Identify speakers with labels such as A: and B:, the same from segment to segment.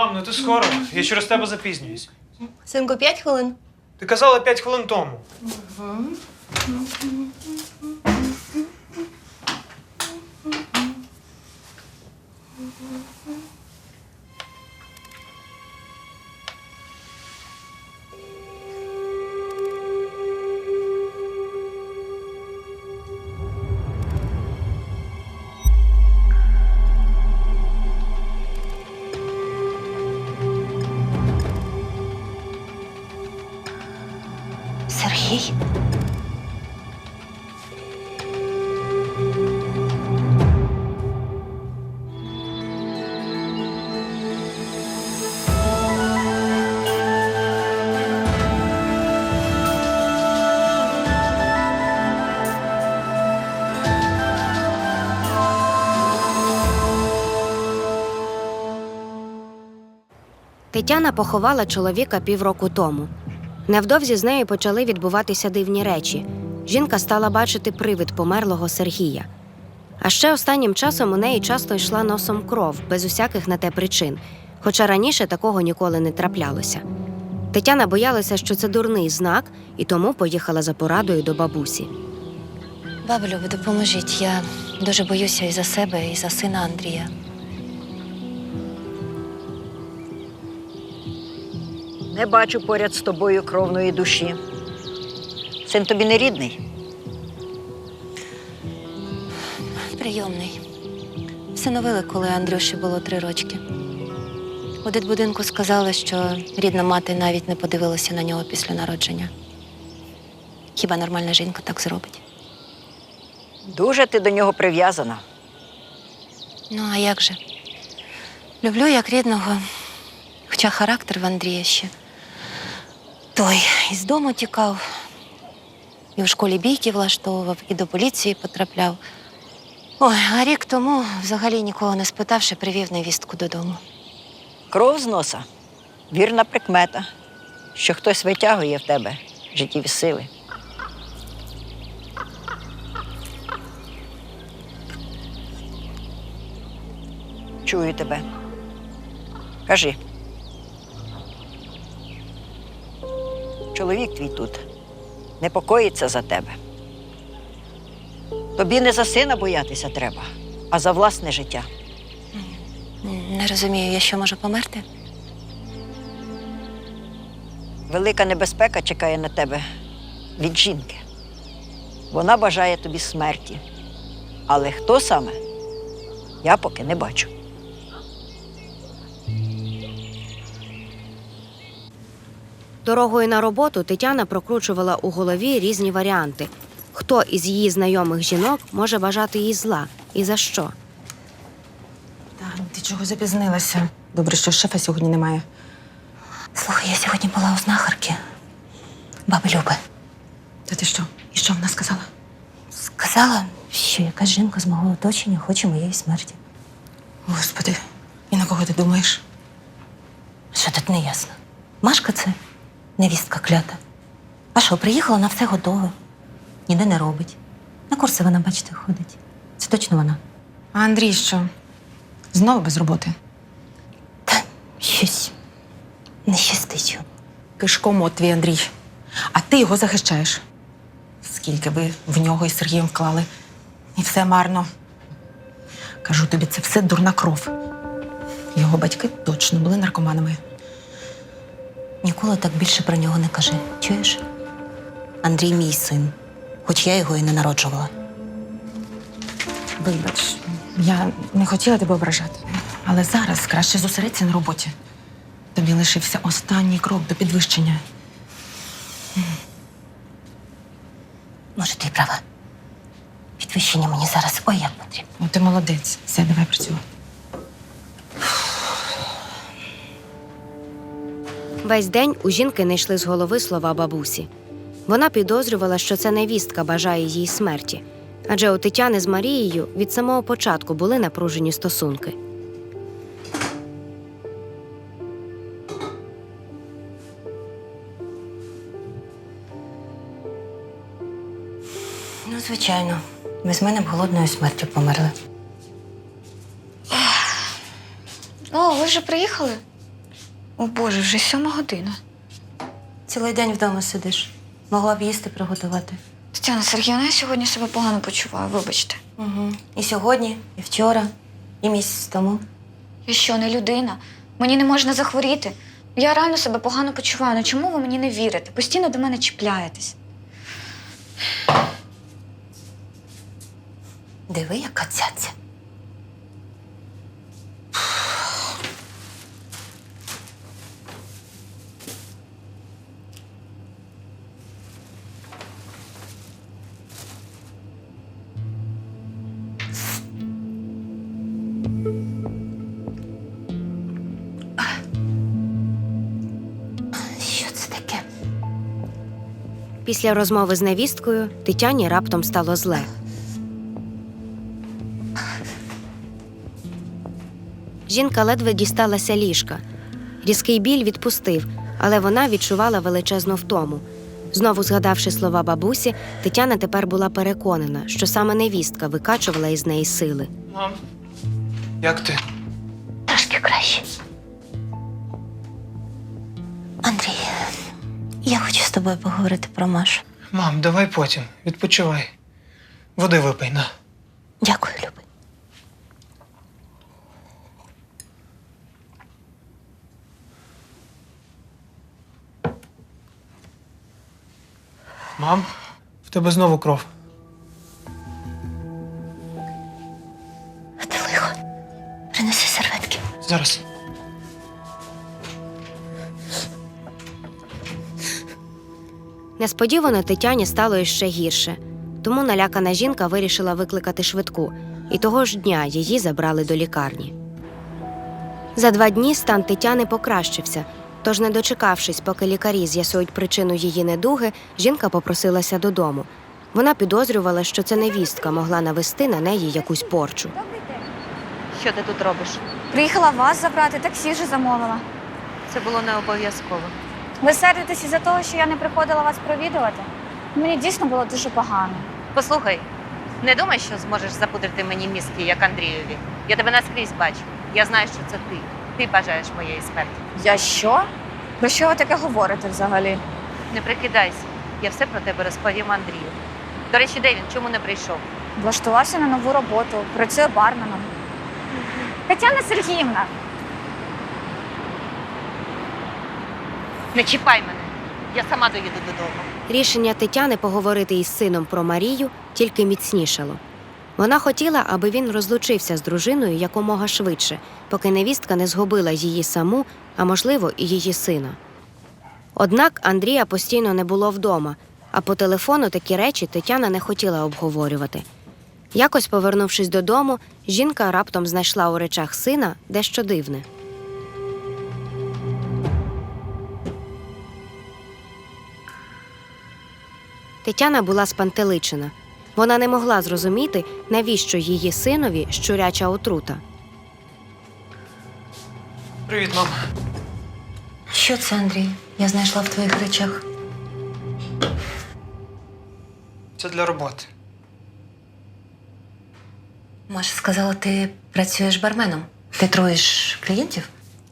A: Мам, ну ти скоро. Я через тебе запізнююсь.
B: Синку, 5 хвилин.
A: Ти казала 5 хвилин тому.
B: Сергій?
C: Тетяна поховала чоловіка півроку тому. Невдовзі з нею почали відбуватися дивні речі. Жінка стала бачити привид померлого Сергія. А ще останнім часом у неї часто йшла носом кров, без усяких на те причин, хоча раніше такого ніколи не траплялося. Тетяна боялася, що це дурний знак, і тому поїхала за порадою до бабусі.
B: Бабу Любо, допоможіть. Я дуже боюся і за себе, і за сина Андрія.
D: Не бачу поряд з тобою кровної душі. Син тобі не рідний?
B: Прийомний. Всиновили, коли Андрюші було 3 рочки. У дитбудинку сказали, що рідна мати навіть не подивилася на нього після народження. Хіба нормальна жінка так зробить?
D: Дуже ти до нього прив'язана.
B: Ну, а як же? Люблю як рідного, хоча характер в Андрія ще. Той із дому тікав, і в школі бійки влаштовував, і до поліції потрапляв. Ой, а рік тому, взагалі нікого не спитавши, привів невістку додому.
D: Кров з носа – вірна прикмета, що хтось витягує в тебе життєві сили. Чую тебе. Кажи. Чоловік твій тут непокоїться за тебе. Тобі не за сина боятися треба, а за власне життя.
B: Не розумію, я що, можу померти?
D: Велика небезпека чекає на тебе від жінки. Вона бажає тобі смерті. Але хто саме, я поки не бачу.
C: Дорогою на роботу Тетяна прокручувала у голові різні варіанти. Хто із її знайомих жінок може бажати їй зла і за що?
E: Тань, ти чого запізнилася? Добре, що шефа сьогодні немає.
B: Слухай, я сьогодні була у знахарки. Баби Люби.
E: Та ти що? І що вона сказала?
B: Сказала, що якась жінка з мого оточення хоче моєї смерті.
E: Господи, і на кого ти думаєш?
B: Що тут не ясно? Машка це невістка клята. А що, приїхала, на все готове. Ніде не робить. На курси вона, бачите, ходить. Це точно вона.
E: А Андрій що? Знову без роботи?
B: Та щось не щастить йому.
E: Кишкомот твій Андрій. А ти його захищаєш. Скільки ви в нього із Сергієм вклали. І все марно. Кажу тобі, це все дурна кров. Його батьки точно були наркоманами.
B: Ніколи так більше про нього не кажи. Чуєш? Андрій мій син, хоч я його і не народжувала.
E: Вибач, я не хотіла тебе ображати. Але зараз краще зосередься на роботі. Тобі лишився останній крок до підвищення.
B: Може, ти й права. Підвищення мені зараз ой як потрібно.
E: Ну, ти молодець. Все, давай працювати.
C: Весь день у жінки не йшли з голови слова бабусі. Вона підозрювала, що це невістка бажає їй смерті. Адже у Тетяни з Марією від самого початку були напружені стосунки.
B: Ну, звичайно. Без мене б голодною смертю померли.
F: О, ви вже приїхали? О Боже, вже 7 година.
B: Цілий день вдома сидиш. Могла б їсти приготувати.
F: Тетяна Сергіївна, я сьогодні себе погано почуваю, вибачте.
B: Угу. І сьогодні, і вчора, і місяць тому.
F: Я що, не людина? Мені не можна захворіти. Я реально себе погано почуваю. Ну чому ви мені не вірите? Постійно до мене чіпляєтесь.
B: Диви, яка цяця. Що це таке?
C: Після розмови з невісткою Тетяні раптом стало зле. Жінка ледве дісталася ліжка. Різкий біль відпустив, але вона відчувала величезну втому. Знову згадавши слова бабусі, Тетяна тепер була переконана, що саме невістка викачувала із неї сили.
A: Мам, як ти?
B: Трошки краще. Андрій, я хочу з тобою поговорити про Машу.
A: Мам, давай потім. Відпочивай. Води випий, на.
B: Дякую, любий.
A: Мам, в тебе знову кров.
B: Ти лихо. Принеси серветки.
A: Зараз.
C: Несподівано Тетяні стало іще гірше, тому налякана жінка вирішила викликати швидку, і того ж дня її забрали до лікарні. За 2 дні стан Тетяни покращився, тож, не дочекавшись, поки лікарі з'ясують причину її недуги, жінка попросилася додому. Вона підозрювала, що це невістка могла навести на неї якусь порчу.
B: Що ти тут робиш?
F: Приїхала вас забрати, таксі вже замовила.
B: Це було не обов'язково.
F: Ви сердитесь із-за того, що я не приходила вас провідувати? Мені дійсно було дуже погано.
G: Послухай, не думай, що зможеш запудрити мені мізки, як Андрієві. Я тебе наскрізь бачу. Я знаю, що це ти. Ти бажаєш моєї смерті.
F: Я що? Про що ви таке говорите взагалі?
G: Не прикидайся. Я все про тебе розповім Андрію. До речі, де він? Чому не прийшов?
F: Влаштувався на нову роботу, працює барменом. Тетяна Сергіївна,
G: Не чіпай мене. Я сама доїду додому.
C: Рішення Тетяни поговорити із сином про Марію тільки міцнішало. Вона хотіла, аби він розлучився з дружиною якомога швидше, поки невістка не згубила її саму, а можливо, і її сина. Однак Андрія постійно не було вдома, а по телефону такі речі Тетяна не хотіла обговорювати. Якось, повернувшись додому, жінка раптом знайшла у речах сина дещо дивне. Тетяна була спантеличена. Вона не могла зрозуміти, навіщо її синові щуряча отрута.
A: Привіт, мам.
B: Що це, Андрій? Я знайшла в твоїх речах.
A: Це для роботи.
B: Маша сказала, ти працюєш барменом. Ти труєш клієнтів?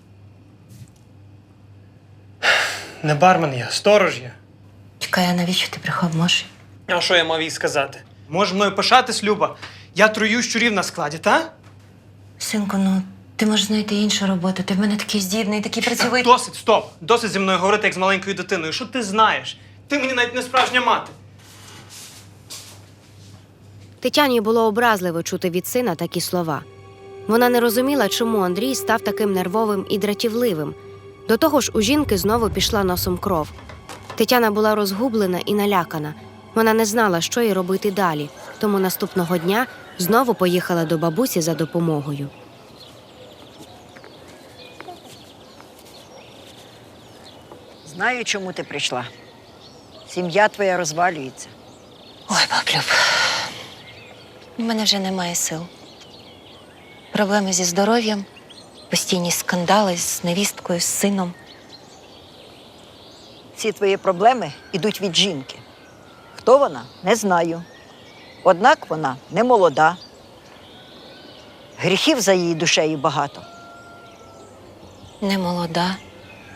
A: Не бармен я, сторож я.
B: Чекай, а навіщо ти брехав Маші?
A: А що я мав їй сказати? Можеш мною пишатись, Люба? Я трую щурів на складі, та?
B: Синку, ну ти можеш знайти іншу роботу. Ти в мене такий здібний, такий працьовитий.
A: Досить, стоп! Досить зі мною говорити, як з маленькою дитиною. Що ти знаєш? Ти мені навіть не справжня мати.
C: Тетяні було образливо чути від сина такі слова. Вона не розуміла, чому Андрій став таким нервовим і дратівливим. До того ж, у жінки знову пішла носом кров. Тетяна була розгублена і налякана. Вона не знала, що їй робити далі, тому наступного дня знову поїхала до бабусі за допомогою.
D: Знаю, чому ти прийшла. Сім'я твоя розвалюється.
B: Ой, баблюб, у мене вже немає сил. Проблеми зі здоров'ям, постійні скандали з невісткою, з сином.
D: Всі твої проблеми йдуть від жінки. Хто вона, не знаю. Однак вона не молода. Гріхів за її душею багато.
B: Не молода,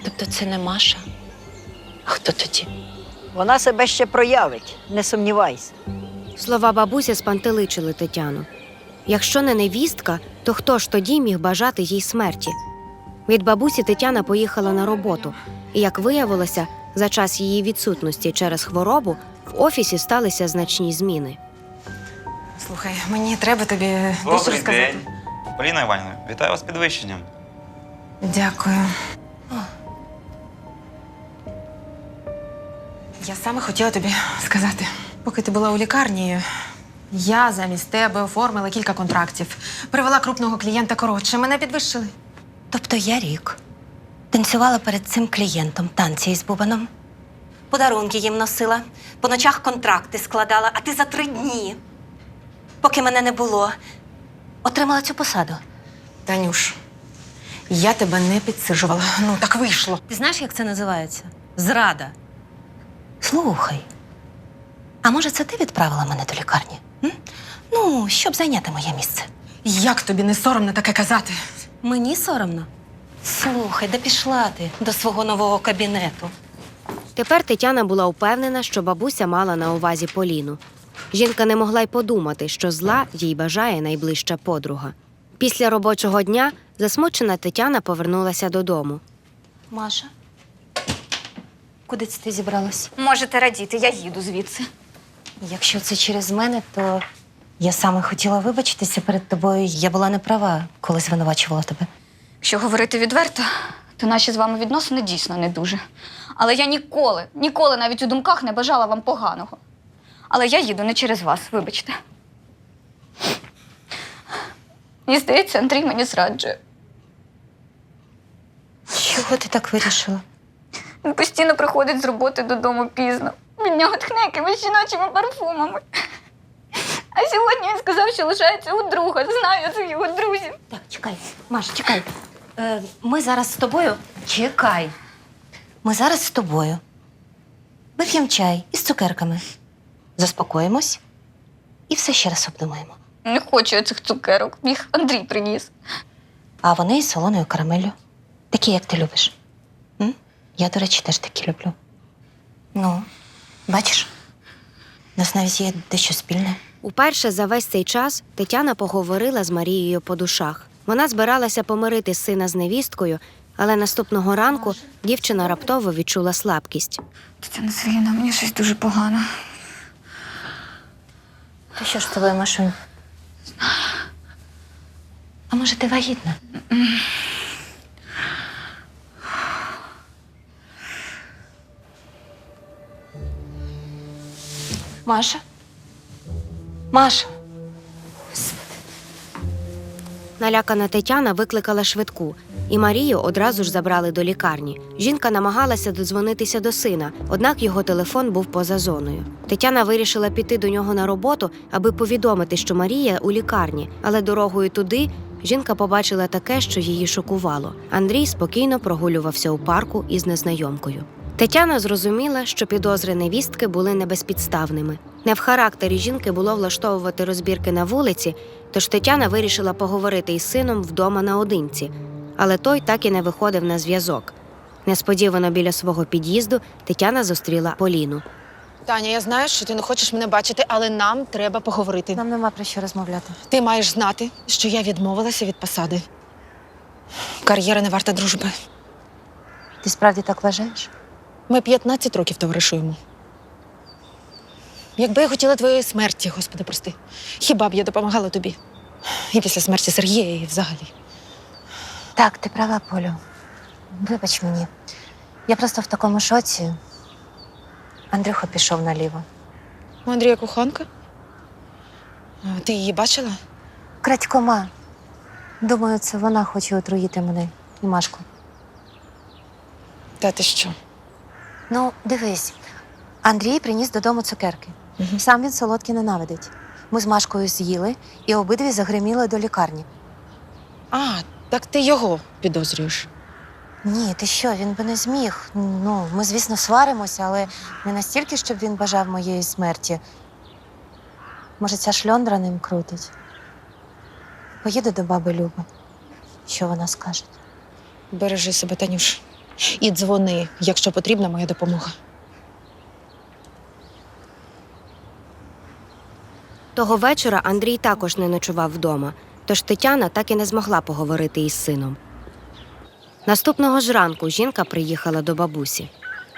B: Тобто це не Маша? А хто тоді?
D: Вона себе ще проявить, не сумнівайся.
C: Слова бабусі спантеличили Тетяну. Якщо не невістка, то хто ж тоді міг бажати їй смерті? Від бабусі Тетяна поїхала на роботу, і, як виявилося, за час її відсутності через хворобу в офісі сталися значні зміни.
E: Слухай, мені треба тобі дещо
H: Добрий
E: розказати.
H: день. Поліна Іванівна, вітаю вас з підвищенням.
E: Дякую. Я саме хотіла тобі сказати. Поки ти була у лікарні, я замість тебе оформила кілька контрактів. Привела крупного клієнта коротше. Мене підвищили.
B: Тобто я рік танцювала перед цим клієнтом танці із бубаном. Подарунки їм носила, по ночах контракти складала, а ти за 3 дні, поки мене не було, отримала цю посаду.
E: Танюш, я тебе не підсиджувала. Ну, так вийшло.
B: Ти знаєш, як це називається? Зрада. Слухай, а може це ти відправила мене до лікарні? М? Ну, щоб зайняти моє місце.
E: Як тобі не соромно таке казати?
B: Мені соромно. Слухай, де пішла ти до свого нового кабінету?
C: Тепер Тетяна була впевнена, що бабуся мала на увазі Поліну. Жінка не могла й подумати, що зла їй бажає найближча подруга. Після робочого дня засмучена Тетяна повернулася додому.
B: Маша, куди це ти зібралась?
F: Можете радіти, я їду звідси.
B: Якщо це через мене, то я саме хотіла вибачитися перед тобою. Я була не права, коли звинувачувала тебе.
F: Якщо говорити відверто, то наші з вами відносини дійсно не дуже. Але я ніколи навіть у думках не бажала вам поганого. Але я їду не через вас, вибачте. Мені здається, Андрій мені зраджує.
B: Чого ти так вирішила?
F: Він постійно приходить з роботи додому пізно. Від нього тхне якимись жіночими парфумами. А сьогодні він сказав, що лишається у друга. Знаю цих його друзів.
B: Так, чекай, Маш, чекай. Ми зараз з тобою. Чекай. Ми зараз з тобою. Вип'ємо чай із цукерками. Заспокоїмось і все ще раз обдумаємо.
F: Не хочу я цих цукерок. Їх Андрій приніс.
B: А вони із солоною карамеллю. Такі, як ти любиш. М? Я, до речі, теж такі люблю. Ну, бачиш, у нас навіть є дещо спільне.
C: Уперше за весь цей час Тетяна поговорила з Марією по душах. Вона збиралася помирити сина з невісткою, але наступного ранку дівчина раптово відчула слабкість.
F: Тетяна Сергіївна, мені щось дуже погано.
B: То що ж з тобою, Машунь? А може, ти вагітна? Маша? Маша?
C: Налякана Тетяна викликала швидку, і Марію одразу ж забрали до лікарні. Жінка намагалася додзвонитися до сина, однак його телефон був поза зоною. Тетяна вирішила піти до нього на роботу, аби повідомити, що Марія у лікарні, але дорогою туди жінка побачила таке, що її шокувало. Андрій спокійно прогулювався у парку із незнайомкою. Тетяна зрозуміла, що підозри невістки були небезпідставними. Не в характері жінки було влаштовувати розбірки на вулиці, тож Тетяна вирішила поговорити із сином вдома наодинці. Але той так і не виходив на зв'язок. Несподівано біля свого під'їзду Тетяна зустріла Поліну.
E: Таня, я знаю, що ти не хочеш мене бачити, але нам треба поговорити.
B: Нам нема про що розмовляти.
E: Ти маєш знати, що я відмовилася від посади. Кар'єра не варта дружби.
B: Ти справді так вважаєш?
E: Ми 15 років товаришуємо. Якби я хотіла твоєї смерті, Господи, прости, хіба б я допомагала тобі? І після смерті Сергія, і взагалі.
B: Так, ти права, Полю. Вибач мені. Я просто в такому шоці. Андрюха пішов наліво.
E: У Андрія коханка? А ти її бачила?
B: Крадькома. Думаю, це вона хоче отруїти мене і Машку.
E: Та ти що?
B: Ну, дивись, Андрій приніс додому цукерки. Сам він солодкі ненавидить. Ми з Машкою з'їли і обидві загриміли до лікарні.
E: А, так ти його підозрюєш.
B: Ні, ти що, він би не зміг. Ну, ми, звісно, сваримося, але не настільки, щоб він бажав моєї смерті. Може, ця шльондра ним крутить? Поїду до баби Люби. Що вона скаже?
E: Бережи себе, Танюш. І дзвони, якщо потрібна моя допомога.
C: Того вечора Андрій також не ночував вдома, тож Тетяна так і не змогла поговорити із сином. Наступного ж ранку жінка приїхала до бабусі.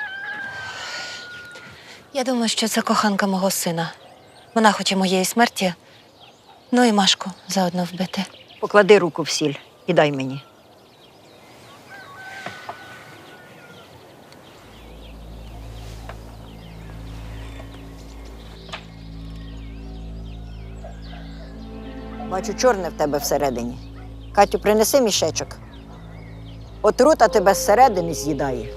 B: Я думаю, що це коханка мого сина. Вона хоче моєї смерті, ну і Машку заодно вбити.
D: Поклади руку в сіль і дай мені. Бачу, чорне в тебе всередині. Катю, принеси мішечок. Отрута тебе зсередини з'їдає.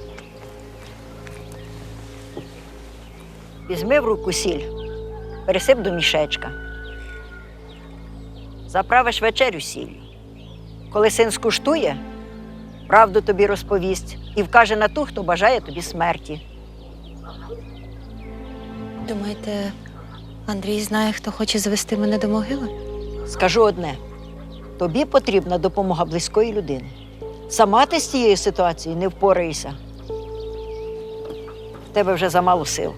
D: Візьми в руку сіль, пересип до мішечка. Заправиш вечерю сіллю. Коли син скуштує, правду тобі розповість і вкаже на ту, хто бажає тобі смерті.
B: Думаєте, Андрій знає, хто хоче звести мене до могили?
D: Скажу одне: тобі потрібна допомога близької людини. Сама ти з цією ситуацією не впораєшся. В тебе вже замало сил.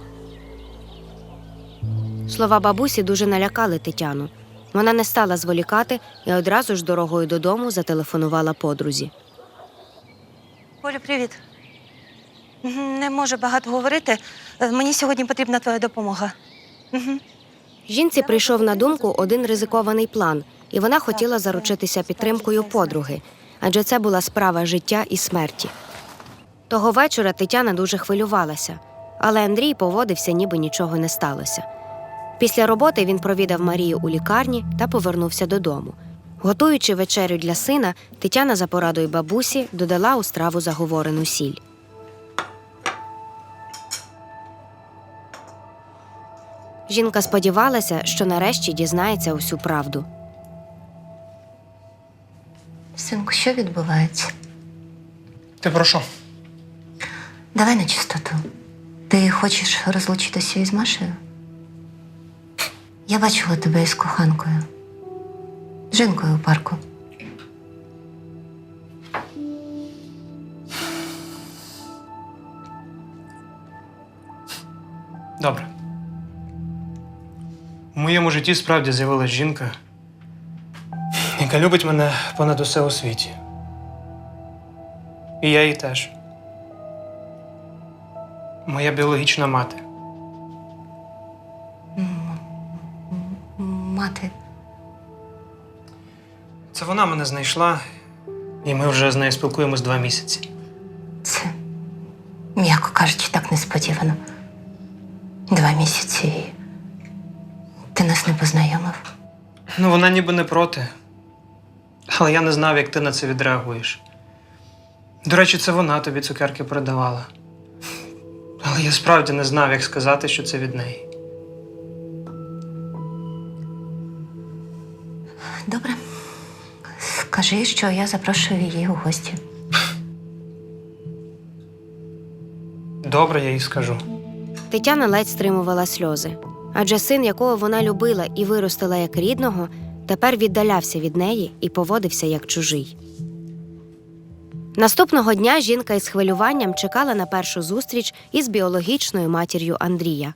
C: Слова бабусі дуже налякали Тетяну. Вона не стала зволікати і одразу ж дорогою додому зателефонувала подрузі.
B: Олю, привіт. Не можу багато говорити. Мені сьогодні потрібна твоя допомога.
C: Жінці прийшов на думку один ризикований план, і вона хотіла заручитися підтримкою подруги, адже це була справа життя і смерті. Того вечора Тетяна дуже хвилювалася, але Андрій поводився, ніби нічого не сталося. Після роботи він провідав Марію у лікарні та повернувся додому. Готуючи вечерю для сина, Тетяна за порадою бабусі додала у страву заговорену сіль. Жінка сподівалася, що нарешті дізнається усю правду.
B: Синку, що відбувається?
A: Ти про що?
B: Давай на чистоту. Ти хочеш розлучитися із Машею? Я бачила тебе із коханкою. Жінкою у парку.
A: Добре. У моєму житті справді з'явилась жінка, яка любить мене понад усе у світі. І я її теж. Моя біологічна мати.
B: Мати.
A: Це вона мене знайшла, і ми вже з нею спілкуємось 2 місяці.
B: Це, м'яко кажучи, так несподівано. 2 місяці і ти нас не познайомив.
A: Ну, вона ніби не проти. Але я не знав, як ти на це відреагуєш. До речі, це вона тобі цукерки передавала. Але я справді не знав, як сказати, що це від неї.
B: Добре. Скажи, що я запрошую її у гості.
A: Добре, я їй скажу.
C: Тетяна ледь стримувала сльози. Адже син, якого вона любила і виростила як рідного, тепер віддалявся від неї і поводився як чужий. Наступного дня жінка із хвилюванням чекала на першу зустріч із біологічною матір'ю Андрія.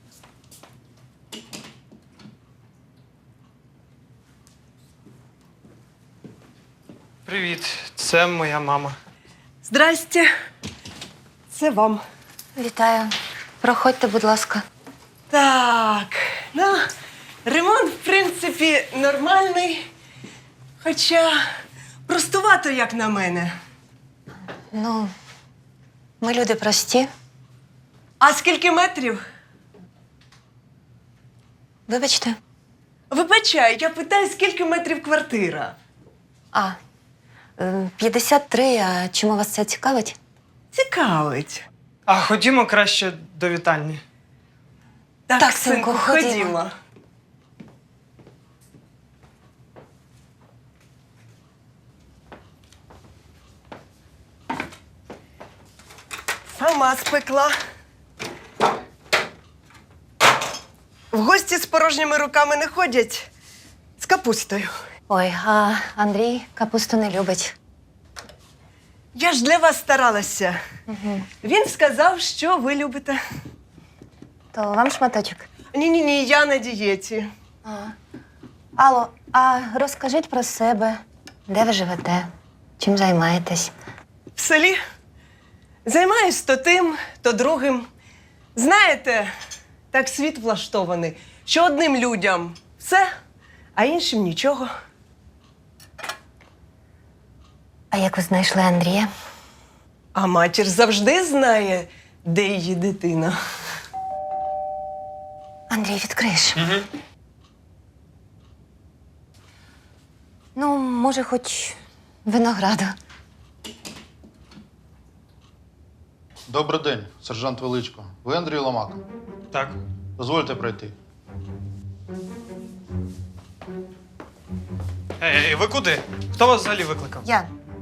A: Привіт, це моя мама.
I: Здрасте. Це вам.
B: Вітаю. Проходьте, будь ласка.
I: Так, ну, ремонт, в принципі, нормальний. Хоча простувато, як на мене.
B: Ну, ми люди прості.
I: А скільки метрів?
B: Вибачте.
I: Вибачаю, я питаю, скільки метрів квартира?
B: 53, а чому вас це цікавить?
I: Цікавить.
A: А ходімо краще до вітальні.
I: Так,
B: синку,
I: синку,
B: ходімо.
I: ходімо. Сама спекла. В гості з порожніми руками не ходять. З капустою.
B: Ой, а Андрій капусту не любить.
I: Я ж для вас старалася. Він сказав, що ви любите.
B: То вам шматочок.
I: Ні, я на дієті.
B: Алло, а розкажіть про себе. Де ви живете? Чим займаєтесь?
I: В селі займаюсь то тим, то другим. Знаєте, так світ влаштований, що одним людям все, а іншим нічого.
B: А як ви знайшли Андрія?
I: А матір завжди знає, де її дитина.
B: Андрій, відкриєш? Ну, може, хоч винограду.
J: Добрий день, сержант Величко. Ви Андрій Ломак.
A: Так.
J: Дозвольте пройти.
A: Ей, ви куди? Хто вас взагалі викликав?
B: Ян,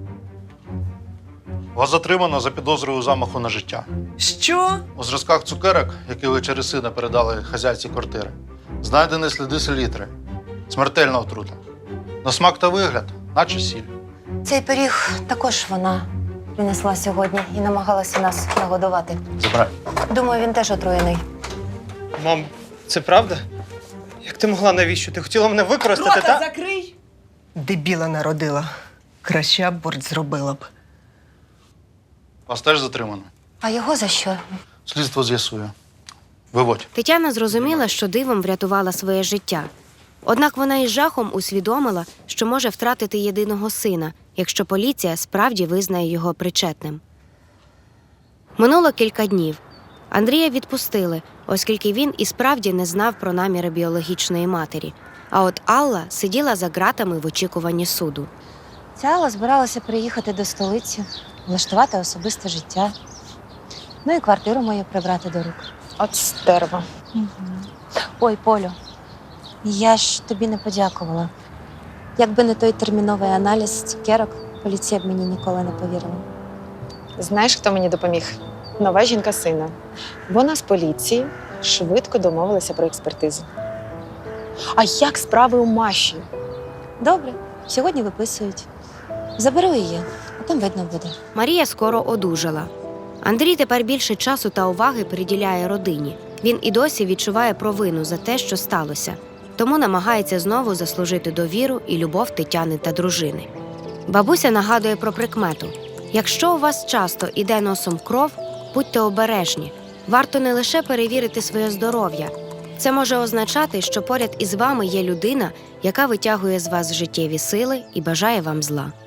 J: Вас затримано за підозрою замаху на життя.
I: Що?
J: У зразках цукерок, які ви через сина передали хазяйці квартири, знайдені сліди селітри. Смертельна отрута. На смак та вигляд, наче сіль.
B: цей пиріг також вона принесла сьогодні і намагалася нас нагодувати.
J: Забирай.
B: Думаю, він теж отруєний.
A: Мам, це правда? Як ти могла, навіщо? Ти хотіла мене використати,
I: Рота
A: так?
I: закрий! Дебіла народила. Краще аборт зробила б.
J: Вас теж затримано.
B: А його за що?
J: Слідство з'ясує. Виводь.
C: Тетяна зрозуміла, що дивом врятувала своє життя. Однак вона із жахом усвідомила, що може втратити єдиного сина, якщо поліція справді визнає його причетним. Минуло кілька днів. Андрія відпустили, оскільки він і справді не знав про наміри біологічної матері. А от Алла сиділа за ґратами в очікуванні суду.
B: Ця Алла збиралася приїхати до столиці, влаштувати особисте життя. Ну і квартиру мою прибрати до рук.
E: От стерва.
B: Ой, Полю, я ж тобі не подякувала. Якби не той терміновий аналіз цукерок, поліція б мені ніколи не повірила.
E: Знаєш, хто мені допоміг? Нова жінка сина. Вона з поліції швидко домовилася про експертизу. А як справи у Маші?
B: Добре, сьогодні виписують. Заберу її, а там видно буде.
C: Марія скоро одужала. Андрій тепер більше часу та уваги приділяє родині. Він і досі відчуває провину за те, що сталося. Тому намагається знову заслужити довіру і любов Тетяни та дружини. Бабуся нагадує про прикмету. Якщо у вас часто іде носом кров, будьте обережні. Варто не лише перевірити своє здоров'я. Це може означати, що поряд із вами є людина, яка витягує з вас життєві сили і бажає вам зла.